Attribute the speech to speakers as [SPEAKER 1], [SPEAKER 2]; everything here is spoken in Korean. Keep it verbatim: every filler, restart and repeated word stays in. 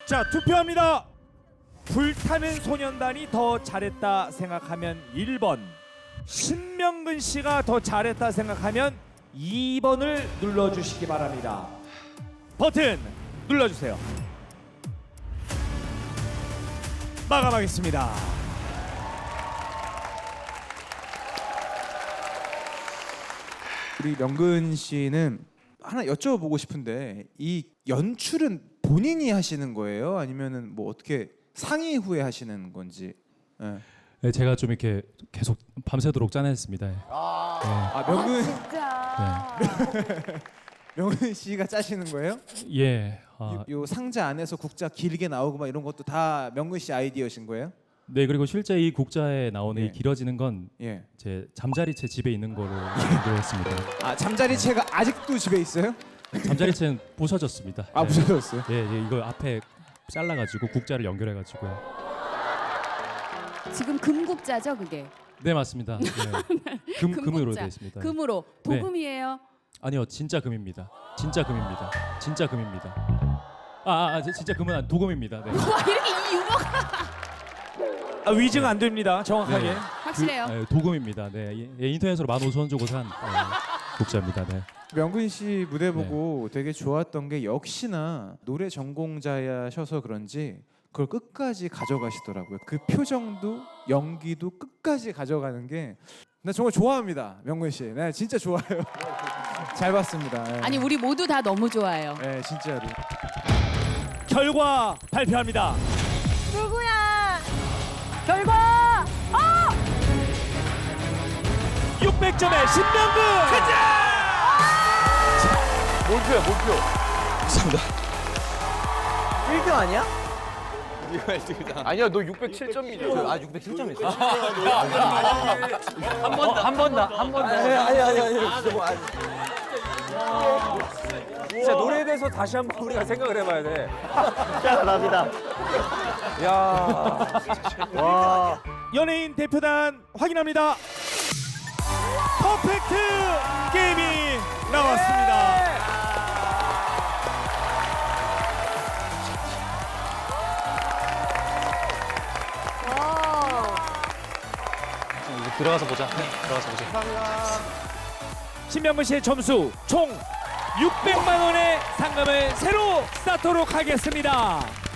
[SPEAKER 1] 자, 투표합니다. 불타는 소년단이 더 잘했다 생각하면 일 번, 신명근 씨가 더 잘했다 생각하면 이 번을 눌러주시기 바랍니다. 버튼 눌러주세요. 마감하겠습니다.
[SPEAKER 2] 우리 명근 씨는 하나 여쭤보고 싶은데 이 연출은 본인이 하시는 거예요? 아니면은 뭐 어떻게 상의 후에 하시는 건지? 예.
[SPEAKER 3] 네, 제가 좀 이렇게 계속 밤새도록 짜냈습니다. 예.
[SPEAKER 2] 아 명근
[SPEAKER 4] 진짜.
[SPEAKER 2] 명근 씨가 짜시는 거예요?
[SPEAKER 3] 예. 아,
[SPEAKER 2] 요, 요 상자 안에서 국자 길게 나오고 막 이런 것도 다 명근 씨 아이디어신 거예요?
[SPEAKER 3] 네, 그리고 실제 이 국자에 나오는
[SPEAKER 2] 예.
[SPEAKER 3] 이 길어지는 건
[SPEAKER 2] 예.
[SPEAKER 3] 제 잠자리채 집에 있는 거로 연구했습니다.
[SPEAKER 2] 아 잠자리채가 아직도 집에 있어요?
[SPEAKER 3] 잠자리채는 부서졌습니다.
[SPEAKER 2] 아
[SPEAKER 3] 네.
[SPEAKER 2] 부서졌어요?
[SPEAKER 3] 예, 예, 이거 앞에 잘라가지고 국자를 연결해가지고요.
[SPEAKER 4] 지금 금국자죠, 그게?
[SPEAKER 3] 네, 맞습니다. 네. 금
[SPEAKER 4] 금국자.
[SPEAKER 3] 금으로 되어 있습니다.
[SPEAKER 4] 금으로.
[SPEAKER 3] 네.
[SPEAKER 4] 도금이에요.
[SPEAKER 3] 아니요, 진짜 금입니다. 진짜 금입니다. 진짜 금입니다. 아, 아, 아 진짜 금은 아니, 도금입니다. 네.
[SPEAKER 4] 와, 이렇게 이 유머가
[SPEAKER 1] 아, 위증 안 됩니다. 정확하게.
[SPEAKER 3] 네.
[SPEAKER 4] 확실해요.
[SPEAKER 3] 그, 네, 도금입니다. 네, 예, 예, 인터넷으로 만 오천 원 주고 산 어, 국자입니다. 네.
[SPEAKER 2] 명근 씨 무대 보고 되게 좋았던 게 역시나 노래 전공자셔서 그런지 그걸 끝까지 가져가시더라고요. 그 표정도 연기도 끝까지 가져가는 게 나 정말 좋아합니다. 명근 씨. 네, 진짜 좋아요. 잘 봤습니다. 네.
[SPEAKER 4] 아니, 우리 모두 다 너무 좋아해요.
[SPEAKER 2] 네, 진짜로.
[SPEAKER 1] 결과 발표합니다.
[SPEAKER 4] 누구야? 결과! 어!
[SPEAKER 1] 육백 점의 신명근!
[SPEAKER 5] 몰표야 몰표.
[SPEAKER 6] 일 등 아니야?
[SPEAKER 5] 아니야 너 육백칠 점이잖아.
[SPEAKER 6] 아 육백칠 점이었어.
[SPEAKER 5] 한 번 더. 한 번 더. 한 번 더.
[SPEAKER 6] 아니 아니 아니 아니. 진짜 뭐 아니.
[SPEAKER 5] 진짜 노래에 대해서 다시 한번 우리가 생각을 해봐야 돼.
[SPEAKER 6] 진짜 감사합니다.
[SPEAKER 5] 야. 와.
[SPEAKER 1] 연예인 대표단 확인합니다. 퍼펙트 게임이 나왔습니다.
[SPEAKER 3] 들어가서 보자. 네, 들어가서 보자.
[SPEAKER 1] 신명근 씨의 점수 총 육백만 원의 상금을 새로 쌓도록 하겠습니다.